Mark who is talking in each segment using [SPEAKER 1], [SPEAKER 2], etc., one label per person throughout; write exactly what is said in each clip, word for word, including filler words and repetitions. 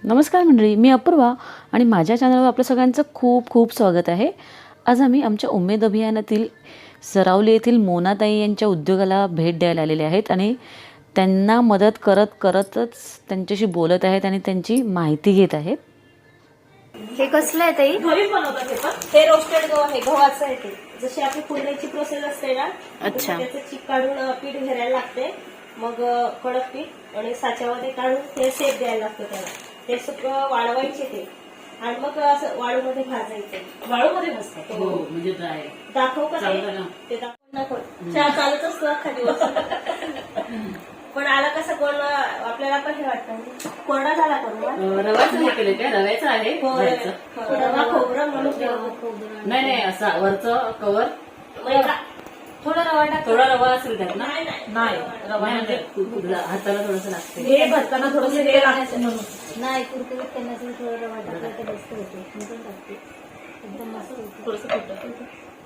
[SPEAKER 1] नमस्कार मंडळी, मी अपूर्वा आणि माझ्या चॅनलवर आपलं सगळ्यांचं खूप खूप स्वागत आहे। आज आम्ही आमच्या उमेद अभियानातील सरावली येथील मोनाताई यांच्या उद्योगाला भेट द्यायला आलेले आहेत आणि त्यांना मदत करत करतच त्यांच्याशी बोलत आहेत आणि त्यांची माहिती घेत आहेत।
[SPEAKER 2] हे कसलं आहे ताई?
[SPEAKER 3] घरीच बनवतात हे पण हे रोस्टेड गहू आहे, गव्हाचं आहे ते। जशी आपली फुलण्याची प्रोसेस असते ना,
[SPEAKER 1] अच्छा,
[SPEAKER 3] त्याचं चीक काढून पीठ घ्यायला लागते, मग कडक पीठ आणि साच्यामध्ये काढून ते शेप द्यायला लागतं त्याला। ते सगळं वाळवायचे ते आणि मग असं वाळूमध्ये भाजायचं। वाळूमध्ये भाजतात
[SPEAKER 1] हो, म्हणजे ड्राय
[SPEAKER 3] दाखव का ते दाखव चहा चालत असतो अख्खा दिवस पण आला कसा कोण आपल्याला पण हे वाटतं कोरडा झाला कोण
[SPEAKER 1] रवाचं हे केलं काय? रव्याचं आहे
[SPEAKER 3] रवा खोबरं म्हणून
[SPEAKER 1] नाही नाही असा वरचं कवर
[SPEAKER 3] थोडा रवा टाक।
[SPEAKER 1] थोडा रवा असेल त्यात ना?
[SPEAKER 3] नाही
[SPEAKER 1] रवा म्हणजे हाताला थोडंसं लागतं,
[SPEAKER 3] हे भरताना थोडंसं हे लागतं म्हणून
[SPEAKER 2] नाही, कुरकुरीत करण्यासाठी थोडा रवा टाकला तर मस्त होतो। मी पण टाकते, एकदम मस्त होतो।
[SPEAKER 3] थोडंसं फुटतं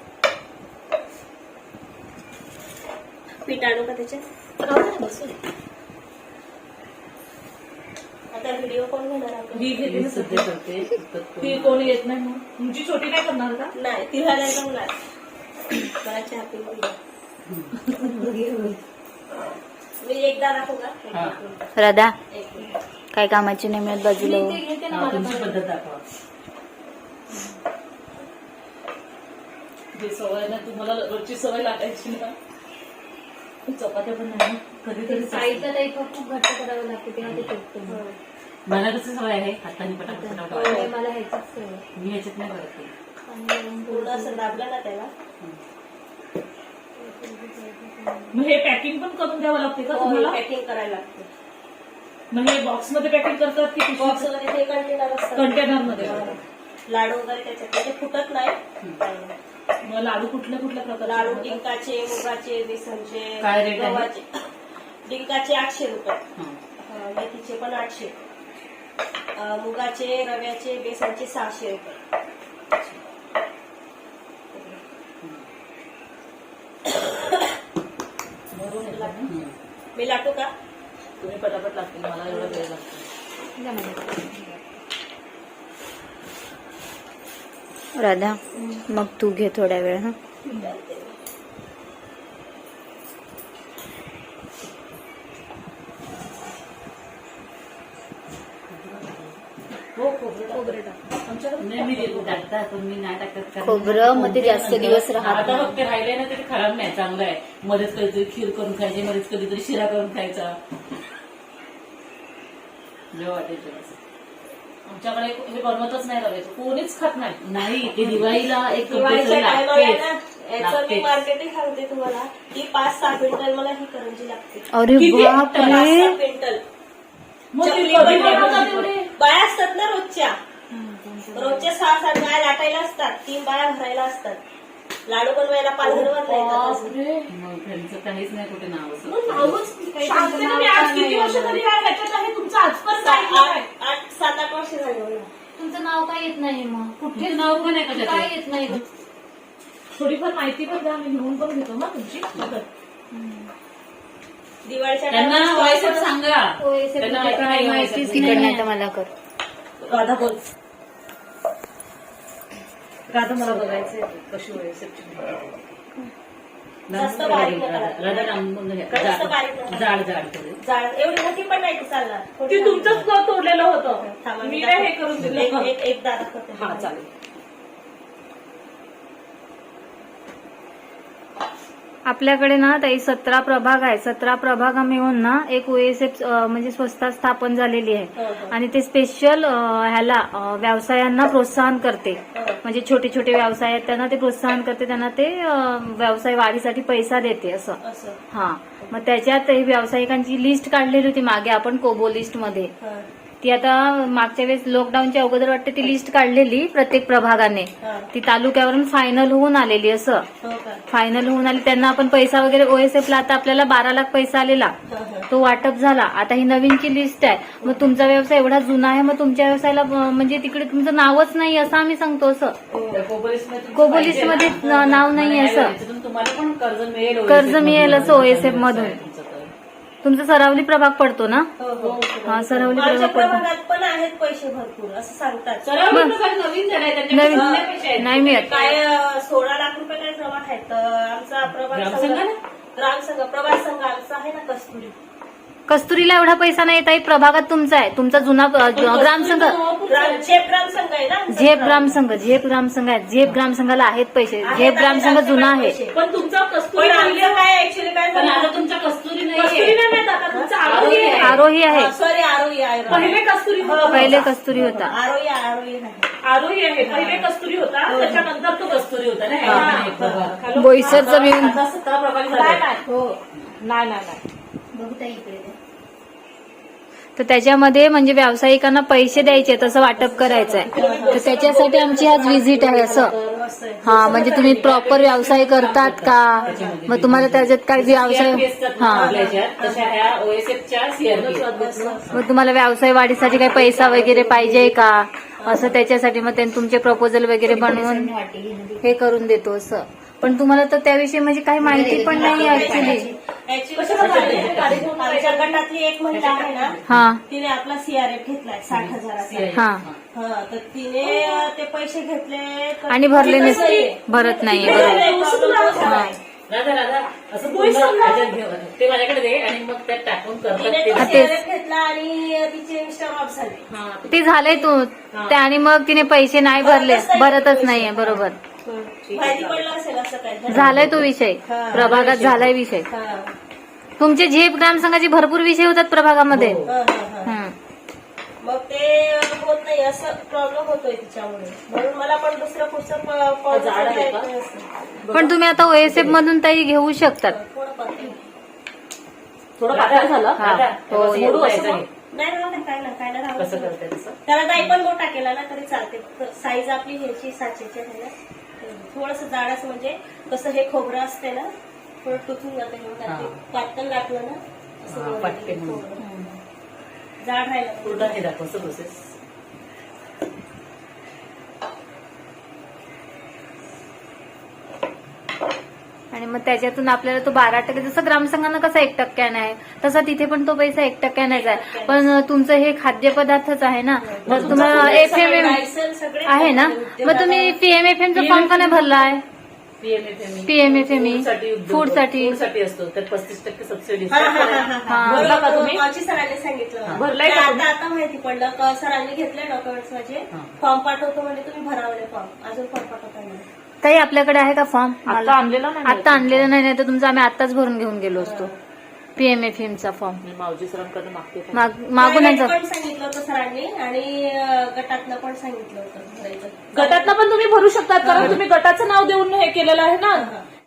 [SPEAKER 3] पीठ आणू का त्याच्यात? आता व्हिडिओ कोण घेणार आपण?
[SPEAKER 1] ही घेते सध्या करते,
[SPEAKER 3] ती कोणी येत नाही मग तुमची छोटी काय करणार का? नाही, तिला नाही जमणार। मला चहा मी एकदा दाखवू का?
[SPEAKER 2] राधा काय कामाची नाही मिळत बाजूला हो।
[SPEAKER 1] तुमची पद्धत दाखवा।
[SPEAKER 3] जे सवय ना तुम्हाला रोजची सवय लागायची ना, चपात्या पण नाही कधीतरी
[SPEAKER 2] साईडला ताई खूप घट्ट करावं लागते तेव्हा ते तुटतं।
[SPEAKER 1] मला कसं सवय आहे हाताने पटापट पटापट,
[SPEAKER 2] मला ह्याचीच सवय।
[SPEAKER 1] मी ह्याच्यात नाही करत ते।
[SPEAKER 3] पूर्ण असं दाबलं ना त्याला मग हे पॅकिंग पण करून द्यावं लागते का तुम्हाला? पॅकिंग करायला लागते। मग हे बॉक्स मध्ये पॅकिंग करतात की बॉक्स मध्ये? ते कंटेनर असतात, कंटेनर मध्ये लाडू वगैरे त्याच्यात ते फुटत नाही। मग लाडू कुठल्या कुठल्या प्रकार? लाडू डिंकाचे, मुगाचे, बेसनचे,
[SPEAKER 1] काय रेट आहे?
[SPEAKER 3] गव्हाचे। डिंकाचे आठशे रुपये, मेथीचे पण आठशे, मुगाचे, रव्याचे, बेसनचे सहाशे रुपये। मी लाटू का? तुम्ही पटापट लागतील, मला एवढा वेळ लागतो।
[SPEAKER 2] राधा मग तू घे थोड्या वेळ। हा
[SPEAKER 3] हो, खोबरं टाक आमच्याकडे।
[SPEAKER 1] मी टाकतात पण मी नाही टाकत,
[SPEAKER 2] खोबरं मग ते जास्त दिवस राहत
[SPEAKER 1] आता फक्त राहिले ना तरी खराब नाही, चांगलं आहे। मध्येच कधीतरी खीर करून खायची, मध्येच कधीतरी शिरा करून खायचा, जेव्हा वाटायचं।
[SPEAKER 3] आमच्याकडे हे बनवतच नाही रव्याचं, कोणीच खात नाही।
[SPEAKER 1] नाही, ते दिवाळीला एक
[SPEAKER 3] दिवाळीच्या टायमाला ना याचं मी
[SPEAKER 1] लागतेच।
[SPEAKER 3] मार्केटिंग सांगते तुम्हाला, ही पाच सहा क्विंटल मला ही करंजी लागते।
[SPEAKER 2] अरे बापरे,
[SPEAKER 3] पाच सहा क्विंटल बाया असतात ना रोजच्या, रोजच्या सहा सात बाया लाटायला असतात, तीन बाया भरायला असतात, लाडू बनवायला पालघर वर
[SPEAKER 1] मग त्यांचं काहीच नाही कुठे नाव असं।
[SPEAKER 3] आठ सात आठ वर्ष झाली।
[SPEAKER 2] तुमचं नाव काय येत नाही? मग
[SPEAKER 1] कुठे नाव पण आहे का?
[SPEAKER 2] काय येत नाही?
[SPEAKER 3] थोडीफार माहिती पण द्या, मी लिहून पण घेतो ना तुमची। दिवाळीच्या
[SPEAKER 1] त्यांना व्हॉइसच सांगा,
[SPEAKER 2] होय,
[SPEAKER 1] त्यांना
[SPEAKER 2] काही
[SPEAKER 1] काही
[SPEAKER 2] माहितीच
[SPEAKER 1] माहितीच
[SPEAKER 2] नाही तर मला कर।
[SPEAKER 3] राधा बोल, राधा मला बघायचंय कशी व्हायची। जास्त बारीक नका करू.
[SPEAKER 1] राधा रामबंद घ्या,
[SPEAKER 3] जास्त बारीक नका.
[SPEAKER 1] जाड जाड करू।
[SPEAKER 3] जाड एवढी मोठी पण नाही ती चालणार। ती तुमचंच तोडलेलं होतं, मी नाही हे करून दिलं। एक एकदा दाखवते। हा चालेल।
[SPEAKER 2] आपल्याकडे ना ताई सतरा प्रभाग आहे। सतरा प्रभाग मिळून ना एक ओएसएफ म्हणजे संस्था स्थापन झालेली आहे आणि ते स्पेशल ह्याला अ, व्यवसायांना प्रोत्साहन करते। म्हणजे छोटे छोटे व्यवसाय आहेत त्यांना ते प्रोत्साहन करते, त्यांना ते अ, व्यवसाय वाढीसाठी पैसा देते असं। हा, मग त्याच्यात ही व्यावसायिकांची लिस्ट काढलेली होती मागे आपण कोबो लिस्ट मध्ये। ती आता मागच्या वेळेस लॉकडाऊनच्या अगोदर वाटते ती लिस्ट काढलेली प्रत्येक प्रभागाने, ती तालुक्यावरून फायनल होऊन आलेली। असं फायनल होऊन आली, त्यांना आपण पैसा वगैरे ओएसएफला आता आपल्याला बारा लाख पैसा आलेला, तो वाटप झाला। आता ही नवीनची लिस्ट आहे। मग तुमचा व्यवसाय एवढा जुना आहे, मग तुमच्या व्यवसायाला म्हणजे तिकडे तुमचं नावच नाही असं आम्ही सांगतो। असं कोबो लिस्ट मध्ये नाव नाही असं,
[SPEAKER 1] तुम्हाला पण कर्ज मिळेल,
[SPEAKER 2] कर्ज मिळेल असं ओएसएफ मधून। तुमचा सरावली प्रभाग पडतो ना?
[SPEAKER 4] हो हो
[SPEAKER 2] हा, सरावली
[SPEAKER 4] आमच्या
[SPEAKER 2] प्रभाग पडतो.
[SPEAKER 4] प्रभागात पण आहेत पैसे भरपूर असं सांगतात.
[SPEAKER 3] सराव प्रभाग नवीन झालाय, त्यांच्याकडे
[SPEAKER 2] नवीन
[SPEAKER 3] जुने पैसे आहेत.
[SPEAKER 2] नाही मिळत.
[SPEAKER 4] काय अं, सोळा लाख रुपये काय जमा आहेत. तर आमचा प्रभाग
[SPEAKER 3] ग्रामसंघ
[SPEAKER 4] संघ
[SPEAKER 3] ना?
[SPEAKER 4] ग्रामसंघ प्रभाग संघ आमचा आहे ना कस्तुरी.
[SPEAKER 2] कस्तुरीला एवढा पैसा नाही ताई, प्रभागात तुमचा आहे. तुमचा जुना अ, ग्रामसंघ
[SPEAKER 4] ग्राम झेप ग्रामसंघ आहे ना आमचा.
[SPEAKER 2] झेप ग्रामसंघ झेप ग्रामसंघ आहे. झेप ग्रामसंघाला आहेत पैसे.
[SPEAKER 4] आहेत,
[SPEAKER 2] झेप ग्रामसंघ
[SPEAKER 4] आहेत,
[SPEAKER 2] जुना
[SPEAKER 4] आहेत
[SPEAKER 2] आहे.
[SPEAKER 4] पैसे.
[SPEAKER 3] पण तुमचा कस्तुरी
[SPEAKER 4] पण
[SPEAKER 3] पहिले
[SPEAKER 4] आमचं काय ऍक्च्युली काय
[SPEAKER 3] पण
[SPEAKER 4] झालं,
[SPEAKER 3] आता तुमच्या कस्तुरी नाही
[SPEAKER 4] कस्तुरी नाही माहित आता
[SPEAKER 3] तुमचा आरोही आहे.
[SPEAKER 2] आरोही आहे.
[SPEAKER 4] सॉरी आरोही आहे.
[SPEAKER 3] पहिले कस्तुरी होता.
[SPEAKER 2] पहिले कस्तुरी होता.
[SPEAKER 4] आरोही आरोही आहे.
[SPEAKER 3] आरोही आहे. पहिले कस्तुरी होता, त्याच्यानंतर तो कस्तुरी होता ना. हा, एक प्रभाग. खाली-
[SPEAKER 2] बोईसरचा मिळून
[SPEAKER 3] आता सतरा प्रभाग
[SPEAKER 4] नाही
[SPEAKER 3] झाले.
[SPEAKER 4] नाही हो नाही नाही नाही बघू त्या इकडे द्या.
[SPEAKER 2] तर त्याच्यामध्ये म्हणजे व्यावसायिकांना पैसे द्यायचे तसं वाटप करायचं आहे. तर त्याच्यासाठी आमची आज व्हिजिट आहे असं.
[SPEAKER 4] मस्त आहे.
[SPEAKER 2] हा, म्हणजे तुम्ही प्रॉपर व्यवसाय करतात का, मग तुम्हाला त्याच्यात काय व्यवसाय
[SPEAKER 3] सीआरपी असतात ना
[SPEAKER 2] हा
[SPEAKER 3] आपल्या ह्याच्यात, तशा ह्या ओएसएफच्या सीआरपी.
[SPEAKER 2] मग तुम्हाला व्यवसाय वाढीसाठी काही पैसा वगैरे पाहिजे का, असं त्याच्यासाठी मग त्यांनी तुमचे प्रपोजल वगैरे बनवून हे करून देतो असं. पण तुम्हाला तर त्याविषयी म्हणजे काही माहिती पण नाही ऍक्च्युली.
[SPEAKER 4] Actually आमच्या गटातली एक महिला आहे ना,
[SPEAKER 2] हा
[SPEAKER 4] तिने आपला सीआरएफ घेतलाय साठ हजाराचा.
[SPEAKER 2] हा
[SPEAKER 4] हा तर तिने अं, ते पैसे घेतले तर
[SPEAKER 2] आणि भरले
[SPEAKER 4] तिचं
[SPEAKER 2] नसते,
[SPEAKER 4] नाहीये.
[SPEAKER 2] भरत नाहीये
[SPEAKER 4] तिचं
[SPEAKER 2] बरोबर.
[SPEAKER 4] नाही, problem झालाय.
[SPEAKER 3] राधा राधा असं पूर्ण ह्याच्यात घेऊन ते माझ्याकडे दे आणि मग त्यात टाकून करतात
[SPEAKER 4] तिने
[SPEAKER 3] ते.
[SPEAKER 4] तो
[SPEAKER 2] हा, तेच.
[SPEAKER 4] सीआरएफ घेतला आणि तिचे इन्स्टा ऑफ झाले.
[SPEAKER 3] हा,
[SPEAKER 2] ते झालंय तू ते, आणि मग तिने पैसे नाही भरले, भरतच नाहीये बरोबर.
[SPEAKER 4] माहिती पडलं असेल असं काय
[SPEAKER 2] झालाय तो विषय, प्रभागात झालाय विषय.
[SPEAKER 4] हा.
[SPEAKER 2] तुमचे झेप ग्रामसंघाचे भरपूर विषय होतात प्रभागामध्ये.
[SPEAKER 4] हा, हा, हा.
[SPEAKER 2] हं.
[SPEAKER 4] मग ते होत नाही असं प्रॉब्लेम होतोय तिच्यामुळे, म्हणून मला पण दुसरं पुढचं प- प-
[SPEAKER 3] झाड आहे का?
[SPEAKER 4] नाही असं.
[SPEAKER 2] पण तुम्ही आता ओएसएफ मधून ताई घेऊ शकतात.
[SPEAKER 4] थोडं पातळ.
[SPEAKER 3] थोडं पातळ झालं.
[SPEAKER 2] हा.
[SPEAKER 3] राधा,
[SPEAKER 2] हो,
[SPEAKER 3] असं मोडू असं घे.
[SPEAKER 4] नाही राहू दे, काय ना काय ना राहू
[SPEAKER 3] कसं
[SPEAKER 4] दे.
[SPEAKER 3] करते तसं.
[SPEAKER 4] त्याला नाही पण मोठा केला ना तरी चालते. साईज आपली ह्याची साचेची आहे ना, थोडस जाडच म्हणजे कसं हे खोबरं असते ना थोडं टुचून जाते म्हणून त्यात ते पातळ घातलं ना असं
[SPEAKER 3] हा,
[SPEAKER 4] वर
[SPEAKER 3] पटकन
[SPEAKER 4] येते
[SPEAKER 3] होईल.
[SPEAKER 4] खोबरं. जाड राहिलं
[SPEAKER 3] पूर्ण हे दाखवचं प्रोसेस.
[SPEAKER 2] आणि मग त्याच्यातून आपल्याला तो बारा टक्के, जसं ग्रामसंघानं कसा एक टक्क्याने आहे तसा तिथे पण तो पैसा एक टक्क्यानेच आहे. पण तुमचं हे खाद्यपदार्थच आहे ना, मग तुम्हाला एफ एम एम
[SPEAKER 4] लायसन्स सगळे
[SPEAKER 2] आहे ना, मग तुम्ही पीएमएफएमचा फॉर्म का नाही भरलाय?
[SPEAKER 3] पीएमएफएमई
[SPEAKER 2] पीएमएफएमई
[SPEAKER 3] साठी
[SPEAKER 2] फूडसाठी.
[SPEAKER 3] फूडसाठी असतो तर पस्तीस टक्के सबसिडी.
[SPEAKER 4] हा, हा, हा, हा.
[SPEAKER 2] हा.
[SPEAKER 3] भरला का तुम्ही?
[SPEAKER 4] बरोबर, माझी सरांनी सांगितलं.
[SPEAKER 3] भरलाय का
[SPEAKER 4] आता
[SPEAKER 3] तुम्ही?
[SPEAKER 4] आता माहिती पडलं का सरांनी घेतले डॉक्युमेंट्स माझे,
[SPEAKER 3] हा.
[SPEAKER 4] फॉर्म पाठवतो म्हणजे तुम्ही भरावले फॉर्म, अजून फॉर्म पाठवता नाही.
[SPEAKER 2] ताई आपल्याकडे आहे का फॉर्म?
[SPEAKER 3] आता आणलेला नाही.
[SPEAKER 2] आता आणलेलं नाही, नाही तर तुमचा आम्ही आताच भरून घेऊन गेलो असतो पीएमएफएमचा फॉर्म.
[SPEAKER 3] मी मावजी सरांकडे मागते.
[SPEAKER 2] माग- मागून
[SPEAKER 4] प्रायव्हेट
[SPEAKER 2] यांचं
[SPEAKER 4] पण सांगितलं होतं सरांनी आणि अं, गटातनं पण सांगितलं होतं भरायचं.
[SPEAKER 3] गटातनं पण तुम्ही भरू शकतात कारण तुम्ही गटाचं नाव देऊन हे केलेलं आहे ना.